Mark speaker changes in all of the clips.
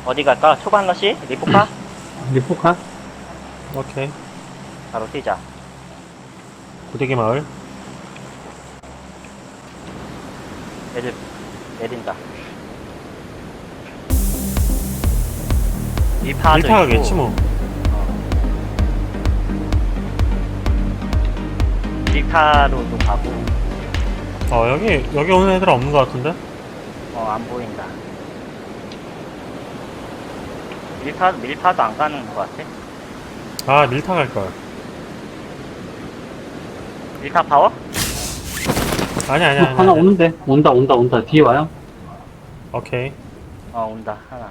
Speaker 1: 어디 갈까? 초반 러시? 리포카?
Speaker 2: 리포카?
Speaker 3: 오케이.
Speaker 1: 바로 뛰자.
Speaker 3: 고데기 마을.
Speaker 1: 애들 내린다. 일파도
Speaker 3: 일타가겠지
Speaker 1: 있고.
Speaker 3: 뭐.
Speaker 1: 일파로도 가고.
Speaker 3: 여기 오는 애들 없는 것 같은데?
Speaker 1: 안 보인다. 밀파도 안 가는 것 같아.
Speaker 3: 아, 밀타 갈걸.
Speaker 1: 밀파 파워?
Speaker 3: 아니야.
Speaker 2: 하나 오는데. 온다. 뒤에 와요.
Speaker 3: 오케이.
Speaker 1: 온다, 하나.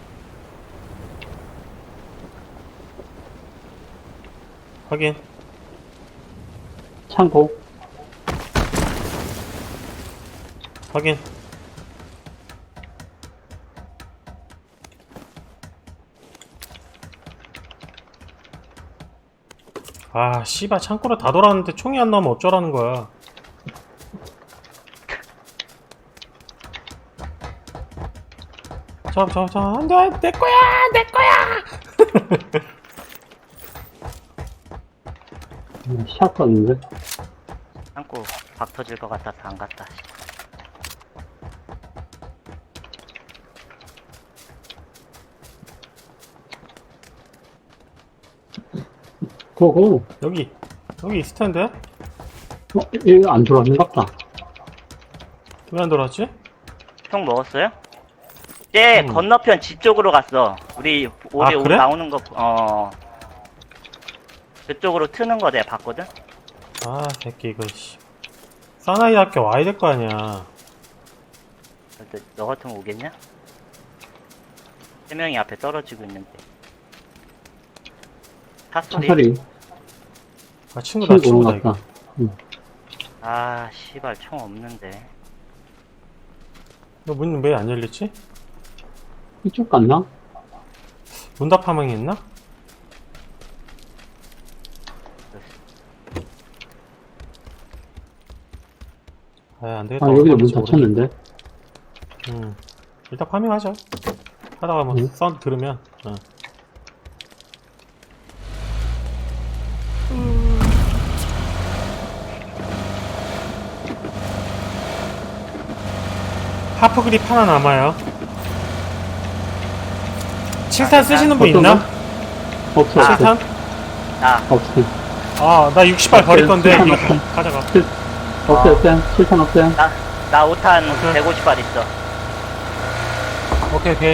Speaker 3: 확인.
Speaker 2: 창고.
Speaker 3: 확인. 아, 씨발, 창고로 다 돌았는데 총이 안 나오면 어쩌라는 거야. 안 돼! 내 거야!
Speaker 2: 샷 봤는데.
Speaker 1: 창고 박 터질 것 같아서 안 갔다.
Speaker 2: 고고.
Speaker 3: 여기 있을 텐데?
Speaker 2: 얘 안 돌아왔는갑다.
Speaker 3: 왜 안 돌았지?
Speaker 1: 총 먹었어요? 쟤 건너편 집 쪽으로 갔어. 우리 올해
Speaker 3: 그래?
Speaker 1: 나오는 거, 그쪽으로 트는 거 내가 봤거든?
Speaker 3: 아, 새끼, 이거, 씨. 사나이 학교 와야 될 거 아니야.
Speaker 1: 근데 너 같으면 오겠냐? 세 명이 앞에 떨어지고 있는데. 탑소리.
Speaker 2: 차소리.
Speaker 3: 아, 친구다,
Speaker 2: 치고 오는
Speaker 3: 친구다,
Speaker 2: 것
Speaker 3: 이거.
Speaker 2: 같다. 응.
Speaker 1: 아, 씨발, 총 없는데.
Speaker 3: 너 문 왜 안 열렸지?
Speaker 2: 이쪽 갔나?
Speaker 3: 문답 파밍이 있나? 아, 안 되겠다.
Speaker 2: 여기도 문
Speaker 3: 어디 모르겠네.
Speaker 2: 닫혔는데.
Speaker 3: 일단 파밍하자. 하다가 뭐,
Speaker 2: 응.
Speaker 3: 사운드 들으면, 하프 그립 하나 남아요. 7탄 쓰시는 분 있나?
Speaker 2: 없어.
Speaker 3: 7탄?
Speaker 1: 나,
Speaker 2: 없어.
Speaker 3: 아, 나 60발 버릴 건데,
Speaker 2: 칠탄
Speaker 3: 이거
Speaker 2: 없어.
Speaker 3: 가져가.
Speaker 2: 없어요. 실탄 없어요.
Speaker 1: 나 5탄
Speaker 3: 오케이.
Speaker 1: 150발 있어.
Speaker 3: 오케이.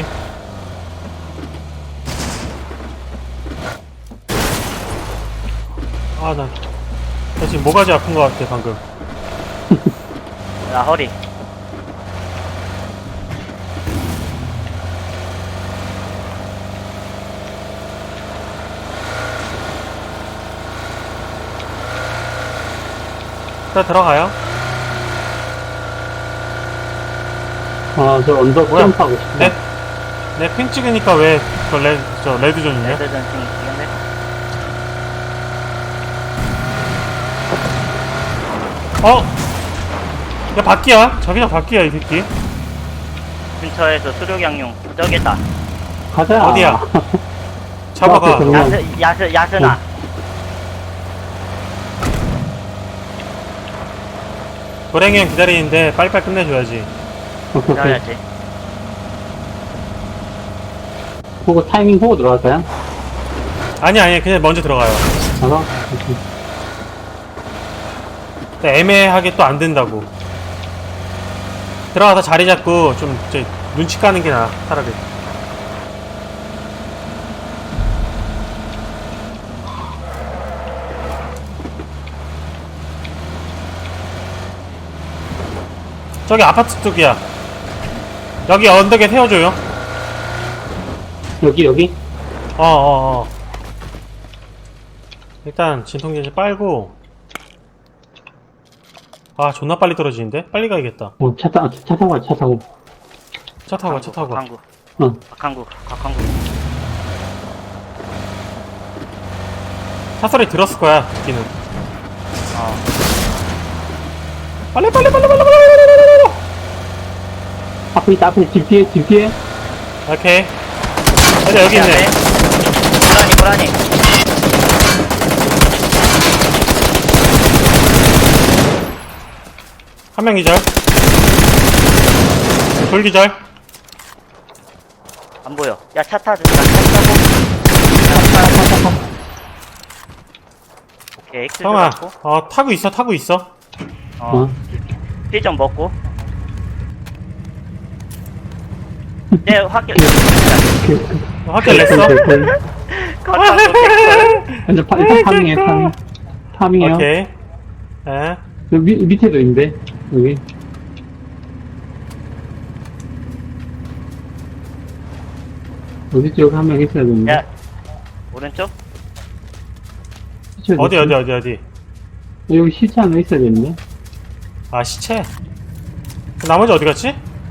Speaker 3: 아, 나 지금 모가지 아픈 것 같아, 방금.
Speaker 1: 나 허리.
Speaker 3: 일단 들어가요.
Speaker 2: 저 언덕
Speaker 3: 뭐야?
Speaker 2: 점프하고 싶다.
Speaker 3: 내 핑 찍으니까 왜, 레드존이냐?
Speaker 1: 레드 전팅 있겠네?
Speaker 3: 야, 바퀴야. 자기장 바퀴야, 이 새끼.
Speaker 1: 근처에서 수륙양용. 저기다.
Speaker 2: 가자.
Speaker 3: 어디야? 잡아가.
Speaker 2: 앞에 정면.
Speaker 1: 야스나.
Speaker 3: 도랭이 형 기다리는데 빨리빨리 끝내줘야지.
Speaker 2: 오케이.
Speaker 1: 기다려야지.
Speaker 2: 보고 타이밍 보고 들어갈까요?
Speaker 3: 아니, 그냥 먼저 들어가요.
Speaker 2: 가서?
Speaker 3: 애매하게 또 안 된다고. 들어가서 자리 잡고 좀 눈치 까는 게 나아, 차라리. 저기 아파트 쪽이야. 여기 언덕에 세워줘요.
Speaker 2: 여기?
Speaker 3: 일단 진통제제 빨고. 아, 존나 빨리 떨어지는데? 빨리 가야겠다.
Speaker 2: 차 타고 가, 차 타고.
Speaker 3: 차 타고 가.
Speaker 1: 각한구.
Speaker 2: 응.
Speaker 1: 각한구.
Speaker 3: 차 소리 들었을 거야, 듣기는. 빨리.
Speaker 2: 앞에 있다, 집 뒤에.
Speaker 3: 오케이. 맞아, 여기 있네.
Speaker 1: 고라니.
Speaker 3: 한 명 기절. 돌 기절.
Speaker 1: 안 보여. 야, 차 타고. 차 타고. 오케이, 엑스 좀
Speaker 3: 잠깐만.
Speaker 1: 먹고.
Speaker 3: 타고 있어.
Speaker 1: 피 좀 먹고. 네, 확길.
Speaker 3: 확실 냈어.
Speaker 1: 컷하고 깼어요.
Speaker 2: 일단 파밍해. 파밍해요.
Speaker 3: 오케이. 예.
Speaker 2: 여기 밑에도 있는데, 여기. 어디 쪽 한 명 있어야 되는데.
Speaker 1: 야, 오른쪽?
Speaker 2: 시체
Speaker 3: 어디.
Speaker 2: 여기 시체 하나 있어야 되는데.
Speaker 3: 아, 시체. 나머지 어디 갔지?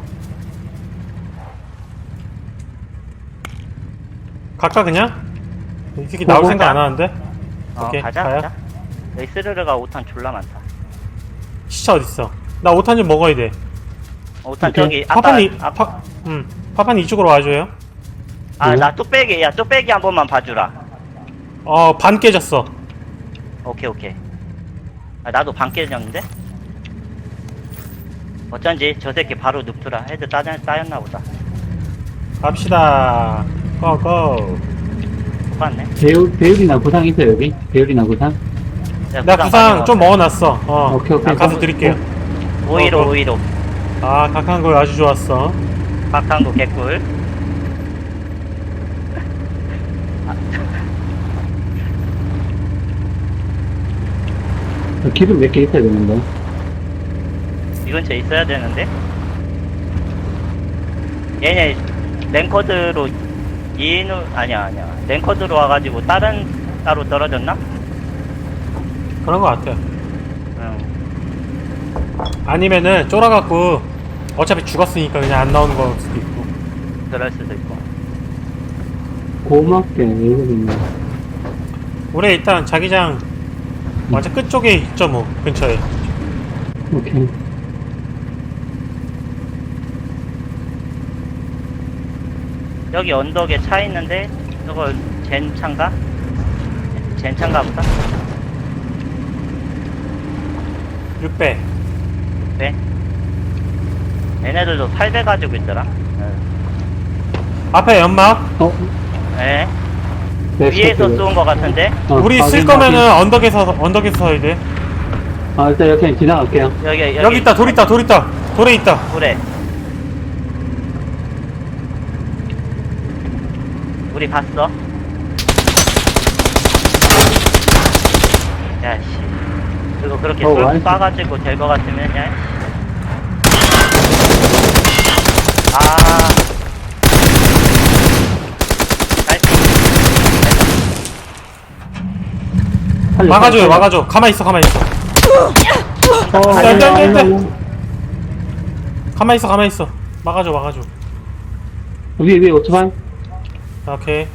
Speaker 3: 갈까, 그냥? 이 새끼 나올 생각 안 하는데? 오케이,
Speaker 1: 가자,
Speaker 3: 가요.
Speaker 1: 가자. 여기 스르르가 5탄 졸라 많다.
Speaker 3: 시체 어딨어? 나 5탄 좀 먹어야 돼.
Speaker 1: 5탄
Speaker 2: 오케이.
Speaker 1: 저기, 아까,
Speaker 3: 파판이 이쪽으로 와줘요.
Speaker 1: 나 뚝배기, 야, 뚝배기 한 번만 봐주라.
Speaker 3: 반 깨졌어.
Speaker 1: 오케이. 나도 반 깨졌는데? 어쩐지 저 새끼 바로 눕더라. 헤드 따였나 보다.
Speaker 3: 갑시다. 고고.
Speaker 1: 똑같네.
Speaker 2: 배율이나 구상 있어요, 여기? 배율이나 구상?
Speaker 1: 야,
Speaker 3: 나 구상 좀
Speaker 1: 가져와.
Speaker 3: 먹어놨어.
Speaker 2: 오케이.
Speaker 3: 가서 드릴게요.
Speaker 1: 오이로.
Speaker 3: 각한 거 아주 좋았어.
Speaker 1: 박탄구 개꿀.
Speaker 2: 기름 몇 개 있어야 되는데.
Speaker 1: 이 근처에 있어야 되는데? 얘네 랭커드로 아니야 랭커드로 와가지고 다른 따로 떨어졌나?
Speaker 3: 그런 거 같아.
Speaker 1: 응.
Speaker 3: 아니면은 쫄아갖고 어차피 죽었으니까 그냥 안 나오는 걸 수도 있고.
Speaker 1: 그럴 수도 있고.
Speaker 2: 고맙게, 이거든요.
Speaker 3: 우리 일단 자기장 완전 끝쪽에 있죠, 뭐 근처에.
Speaker 2: 오케이.
Speaker 1: 여기 언덕에 차 있는데 저거 젠차인가? 젠차인가 보다.
Speaker 3: 6배.
Speaker 1: 네. 얘네들도 8배 가지고 있더라.
Speaker 3: 앞에 연막.
Speaker 1: 네.
Speaker 2: 네,
Speaker 1: 위에서
Speaker 2: 시체
Speaker 1: 쏜 거 같은데?
Speaker 3: 우리 쓸
Speaker 2: 확인,
Speaker 3: 거면은
Speaker 2: 확인.
Speaker 3: 언덕에서 서야 돼.
Speaker 2: 일단 이렇게 지나갈게요.
Speaker 1: 여기
Speaker 3: 있다, 돌 있다. 돌에 있다.
Speaker 1: 그래. 우리 봤어. 야씨. 그거 그렇게 쏠
Speaker 2: 와이프.
Speaker 1: 쏴가지고 될 거 같으면 야.
Speaker 3: 막아줘. 가만히 있어.
Speaker 2: 안
Speaker 3: 돼.
Speaker 2: 돼.
Speaker 3: 가만히 있어. 막아줘.
Speaker 2: 위에 오토바이?
Speaker 3: 오케이.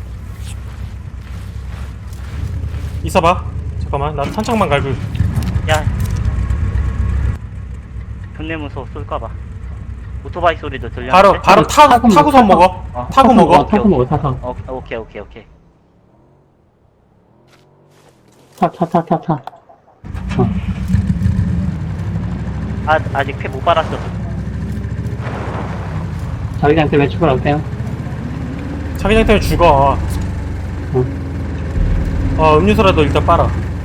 Speaker 3: 있어봐. 잠깐만, 나 탄창만 갈고.
Speaker 1: 야. 존내 무서워 쏠까봐. 오토바이 소리도 들렸는데.
Speaker 3: 바로 타고선 먹어. 타고 먹어.
Speaker 2: 타고 먹어, 타서.
Speaker 1: 오케이.
Speaker 2: 타.
Speaker 1: 아직 피 못 빨았어.
Speaker 2: 자기한테 왜 출발할게요?
Speaker 3: 자기장 때문에 죽어. 음료수라도 일단 빨아.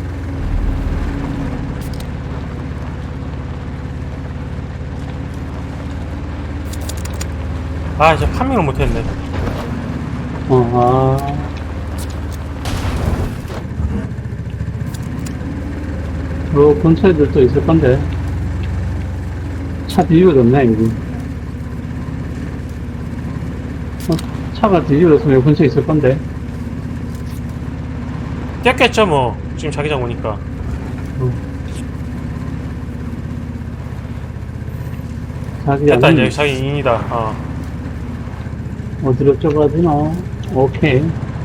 Speaker 3: 이제 파밍을 못했네.
Speaker 2: 근처에도 있을 건데. 차 뒤집어졌네, 여기. 차가 뒤집어졌으면 여기 근처에 있을 건데.
Speaker 3: 깼겠죠, 뭐. 지금 자기장 오니까. 됐다, 이제 자기 인이다.
Speaker 2: 어디로 좁아지나? 오케이.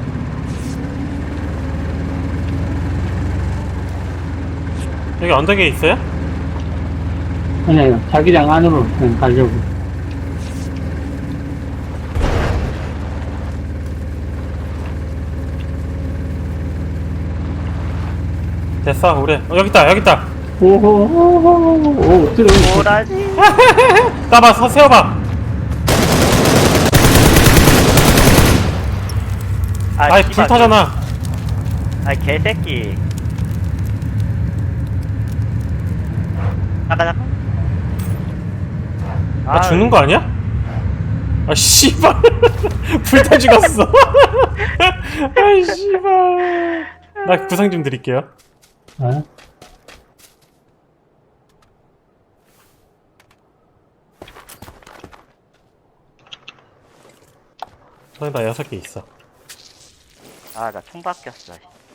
Speaker 3: 여기 언덕에 있어요?
Speaker 2: 아니요, 자기장 안으로 그냥 가려고.
Speaker 3: 됐어 우리 여기 있다
Speaker 2: 오호호호호 엎드려.
Speaker 1: 뭐라지?
Speaker 3: 따봐 세워봐. 아이 불
Speaker 1: 씨발.
Speaker 3: 타잖아.
Speaker 1: 아이 개새끼. 잠깐.
Speaker 3: 나 죽는 거 아니야? 아 씨발 불타 죽었어. 아이 씨발. 나 구상 좀 드릴게요.
Speaker 2: 아,
Speaker 3: 저기 나 6개 있어.
Speaker 1: 아, 나 총 바뀌었어.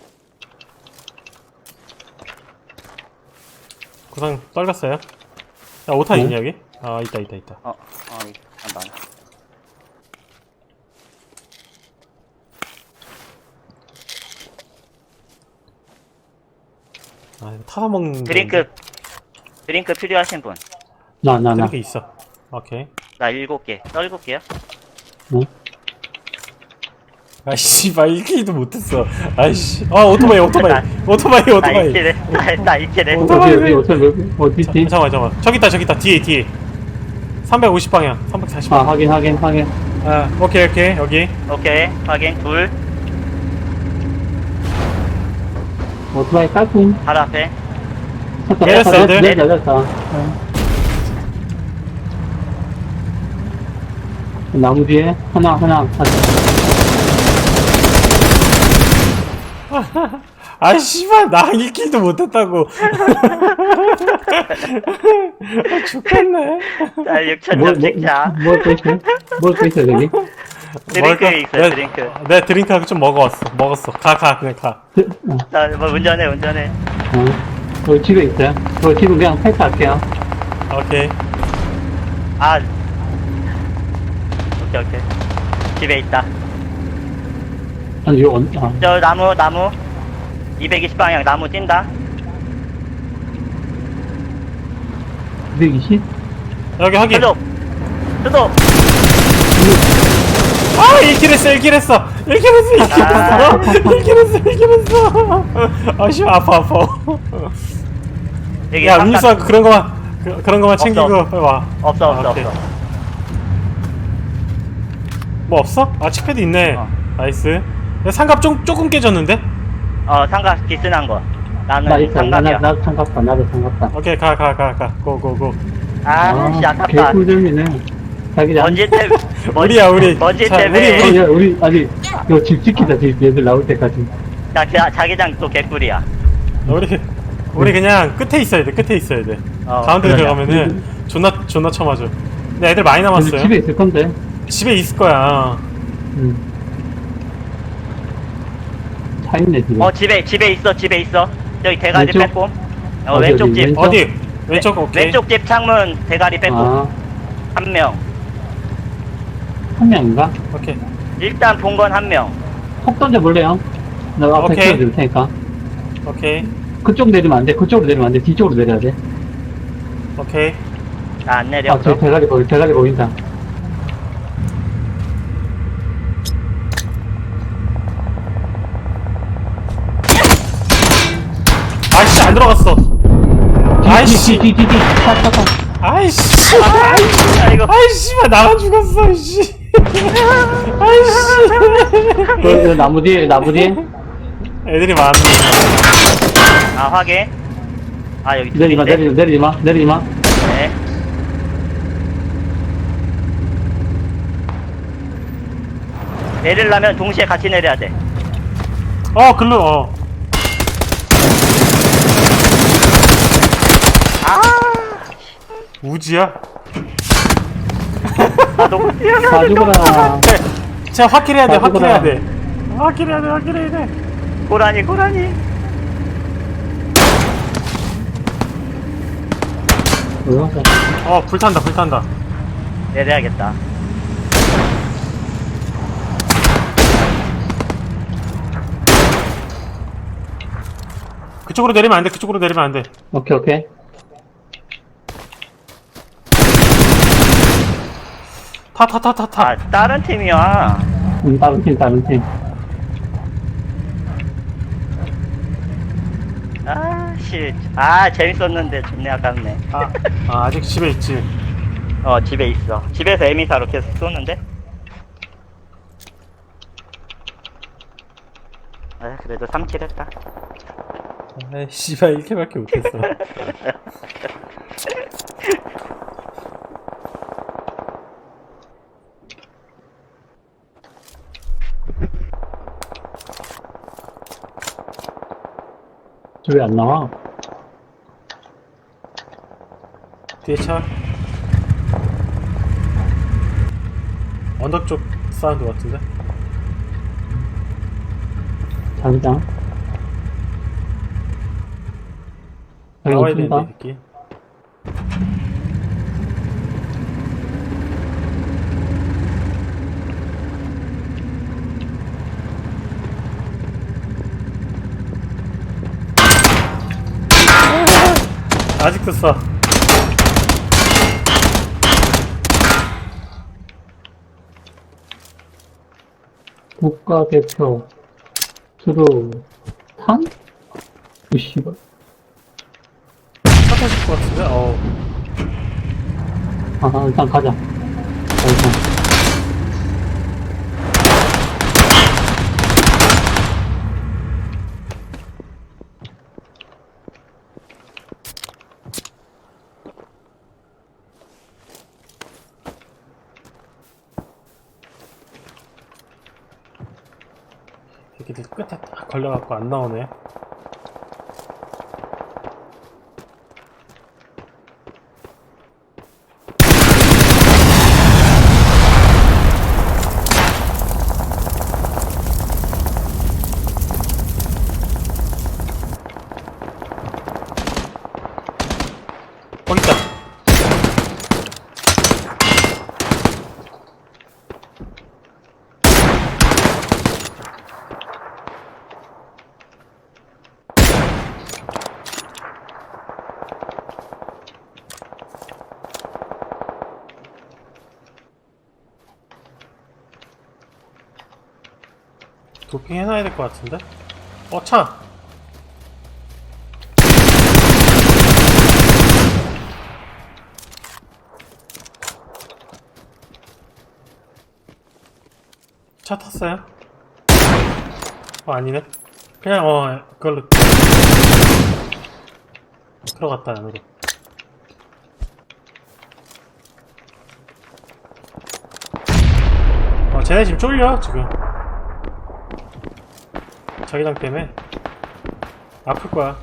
Speaker 3: 구상 떨궜어요. 야 5탄 있냐 여기? 아 있다.
Speaker 1: 잠깐만.
Speaker 3: 아 이거 타서 먹는
Speaker 1: 드링크 필요하신 분?
Speaker 2: 나.
Speaker 3: 드링크 있어. 오케이.
Speaker 1: 나 7개. 7개요?
Speaker 2: 응?
Speaker 3: 아 씨발 1킬도 못했어. 아이씨. 아 오토바이.
Speaker 1: 나 1킬 나 1킬 했어.
Speaker 2: 어디 있지?
Speaker 3: 잠깐만. 저기 있다. 뒤에. 350 방향. 340.
Speaker 2: 아, 확인.
Speaker 3: 아, 오케이. 여기.
Speaker 1: 오케이. 확인. 둘.
Speaker 2: 오토바이 깔끔.
Speaker 1: 바로 앞에.
Speaker 3: 내렸어, 애들.
Speaker 2: 내렸다. 나무 뒤에 하나.
Speaker 3: 아 씨발 나 1킬도 못했다고. 죽겠네.
Speaker 1: 자, 6,000점 찍자.
Speaker 2: 뭘 있어, 저기?
Speaker 1: 드링크 있어요, 드링크.
Speaker 3: 내 드링크하고 좀 먹었어. 가 그냥 가.
Speaker 1: 자, 뭐 운전해.
Speaker 2: 여기 집에 있어요. 저 집은 그냥 패스할게요.
Speaker 3: 오케이.
Speaker 1: 아. 오케이. 집에 있다.
Speaker 2: 아니, 이거
Speaker 1: 저 나무. 220방향 나무 뛴다.
Speaker 2: 220?
Speaker 3: 여기 확인.
Speaker 1: 수도.
Speaker 3: 아 1킬 했어. 1킬 했어. 아 씨 아파.
Speaker 1: 여기
Speaker 3: 야
Speaker 1: 삼각-
Speaker 3: 음료수 그런 거만 챙기고 빨리 와.
Speaker 1: 없어.
Speaker 3: 오케이. 뭐 없어? 아 칙패드 있네. 나이스. 야, 상갑 조금 깨졌는데?
Speaker 1: 삼각 비스난 거.
Speaker 2: 나
Speaker 1: 나는
Speaker 2: 있어.
Speaker 1: 삼각이야.
Speaker 2: 나도 상갑다.
Speaker 3: 오케이 가. 고고고.
Speaker 1: 씨, 아깝다.
Speaker 2: 개꿀잼이네. 자기장.
Speaker 1: 먼지 때문에.
Speaker 3: 우리.
Speaker 1: 먼지
Speaker 3: 자,
Speaker 1: 때문에.
Speaker 2: 우리, 아니, 이거 집 지키자, 집 얘들 나올 때까지.
Speaker 1: 자기장 또 개꿀이야.
Speaker 3: 우리 그냥 끝에 있어야 돼. 가운데
Speaker 2: 그래.
Speaker 3: 들어가면은 존나 쳐맞아. 근데 애들 많이 남았어요.
Speaker 2: 집에 있을 건데.
Speaker 3: 집에 있을 거야.
Speaker 2: 차 있네, 집에.
Speaker 1: 집에 있어. 저기 대가리
Speaker 2: 왼쪽?
Speaker 1: 빼꼼.
Speaker 2: 어디,
Speaker 1: 왼쪽
Speaker 2: 어디,
Speaker 1: 집.
Speaker 2: 왼쪽?
Speaker 3: 어디? 왼쪽 오케이.
Speaker 1: 왼쪽 집 창문 대가리 빼꼼.
Speaker 2: 아,
Speaker 1: 한 명.
Speaker 2: 한 명인가?
Speaker 3: 오케이.
Speaker 1: 일단 본 건 한 명.
Speaker 2: 폭 던져볼래요? 나 앞에
Speaker 3: 오케이.
Speaker 2: 찍어줄 테니까.
Speaker 3: 오케이.
Speaker 2: 그쪽 내리면 안 돼. 그쪽으로 내리면 안 돼. 뒤쪽으로 내려야 돼.
Speaker 3: 오케이.
Speaker 1: 나 안 내려.
Speaker 2: 아, 저 대가리 보인다.
Speaker 3: 아이씨 안 들어갔어. 아이씨.
Speaker 2: 뒤. 차.
Speaker 3: 아이씨.
Speaker 1: 아이고.
Speaker 3: 아이씨만 나만 죽었어. 씨. 아이씨.
Speaker 2: 나무 뒤에.
Speaker 3: 애들이 많네.
Speaker 1: 확인. 여기
Speaker 2: 내리지 마.
Speaker 1: 네. 내리려면 동시에 같이 내려야 돼.
Speaker 3: 글로. 우지야?
Speaker 1: 너무 뛰어가.
Speaker 2: 다 죽어라.
Speaker 3: 제가 확킬해야 돼.
Speaker 2: 다 죽어라.
Speaker 3: 확킬해야 돼.
Speaker 1: 고라니.
Speaker 3: 불탄다.
Speaker 1: 내려야겠다.
Speaker 3: 그쪽으로 내리면 안 돼.
Speaker 2: 오케이.
Speaker 3: 타.
Speaker 1: 다른 팀이야.
Speaker 2: 다른 팀.
Speaker 1: 씨. 아, 재밌었는데 존내 아깝네.
Speaker 3: 아직 집에 있지.
Speaker 1: 집에 있어. 집에서 에미사로 계속 쏘는데? 아, 그래도 3킬 했다.
Speaker 3: 아이, 씨발, 1킬밖에 못했어.
Speaker 2: 왜 안 나와?
Speaker 3: 뒤에 차. 언덕 쪽 사운드 같은데?
Speaker 2: 자기장.
Speaker 3: 나와야
Speaker 2: 여기
Speaker 3: 되는데,
Speaker 2: 뛴다.
Speaker 3: 이 새끼. 아직도 쏴.
Speaker 2: 국가대표 트루 탄? 그 씨발.
Speaker 3: 차 타실 것 같은데?
Speaker 2: 일단 가자. 일단.
Speaker 3: 새끼들 끝에 딱 걸려갖고 안 나오네. 거기 있다. 도핑 해놔야 될 것 같은데? 차! 차 탔어요? 아니네. 그냥 그걸로 들어갔다 안으로. 쟤네 지금 쫄려 지금. 자기장 때문에 아플 거야.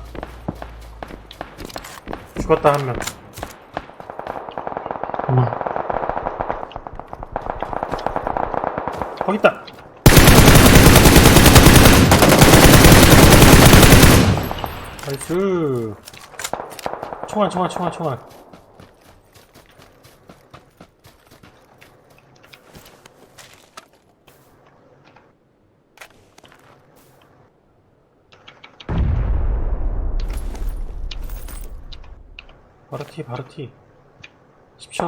Speaker 3: 죽었다 한 명. 거기 있다. 나이스. 총알. 바로 티. 10초.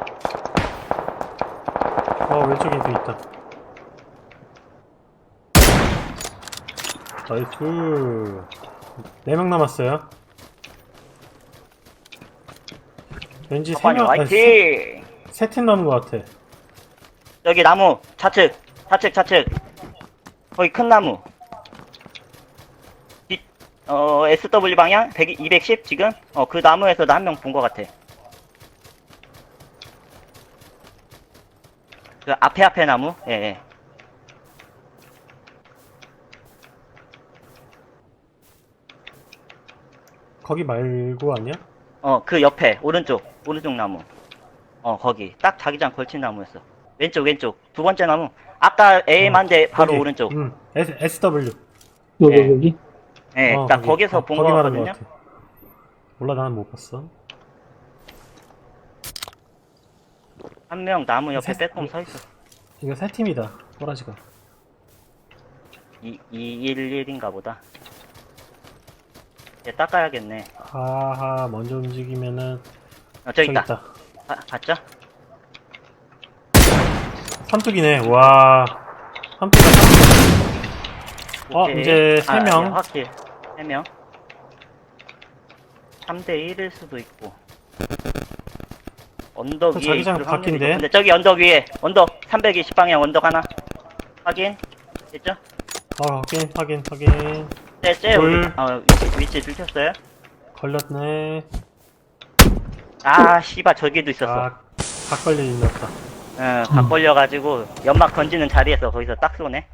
Speaker 3: 왼쪽에 또 있다. 나이스. 4명 남았어요. 왠지
Speaker 1: 아빠님 화이팅!
Speaker 3: 세 팀 남은 것 같아.
Speaker 1: 여기 나무 좌측. 거기 큰 나무. SW 방향 210 지금? 그 나무에서 나 한 명 본 것 같아. 그 앞에 나무? 예.
Speaker 3: 거기 말고 아니야?
Speaker 1: 그 옆에 오른쪽 나무. 거기 딱 자기장 걸친 나무였어. 왼쪽 두 번째 나무. 아까 AM한데 바로
Speaker 3: 거기.
Speaker 1: 오른쪽.
Speaker 3: SW.
Speaker 2: 여기?
Speaker 1: 예, 딱
Speaker 3: 거기.
Speaker 1: 거기서 본
Speaker 3: 거기 말하는
Speaker 1: 거거든요.
Speaker 3: 것 같아. 몰라, 나는 못 봤어.
Speaker 1: 한 명 나무 옆에
Speaker 3: 세-
Speaker 1: 빼꼼 서 있어.
Speaker 3: 이거 세 팀이다. 꼬라지가.
Speaker 1: 211인가 보다. 얘 닦아야겠네.
Speaker 3: 하하, 먼저 움직이면은
Speaker 1: 저기 있다.
Speaker 3: 있다.
Speaker 1: 봤죠?
Speaker 3: 삼뚝이네. 와. 삼뚝이다.
Speaker 1: 오케이.
Speaker 3: 이제 3명.
Speaker 1: 확실 3명. 3대1일 수도 있고. 언덕
Speaker 3: 그
Speaker 1: 위에
Speaker 3: 자기장
Speaker 1: 있을 확률이
Speaker 3: 바뀐데?
Speaker 1: 높은데 저기 언덕 위에 언덕 320방향 언덕 하나 확인 됐죠?
Speaker 3: 확인.
Speaker 1: 쟤
Speaker 3: 둘.
Speaker 1: 위치 들켰어요?
Speaker 3: 걸렸네.
Speaker 1: 아 씨발 저기도 있었어.
Speaker 3: 각 걸려있었다.
Speaker 1: 응, 각 걸려가지고 연막 던지는 자리에서 거기서 딱 쏘네.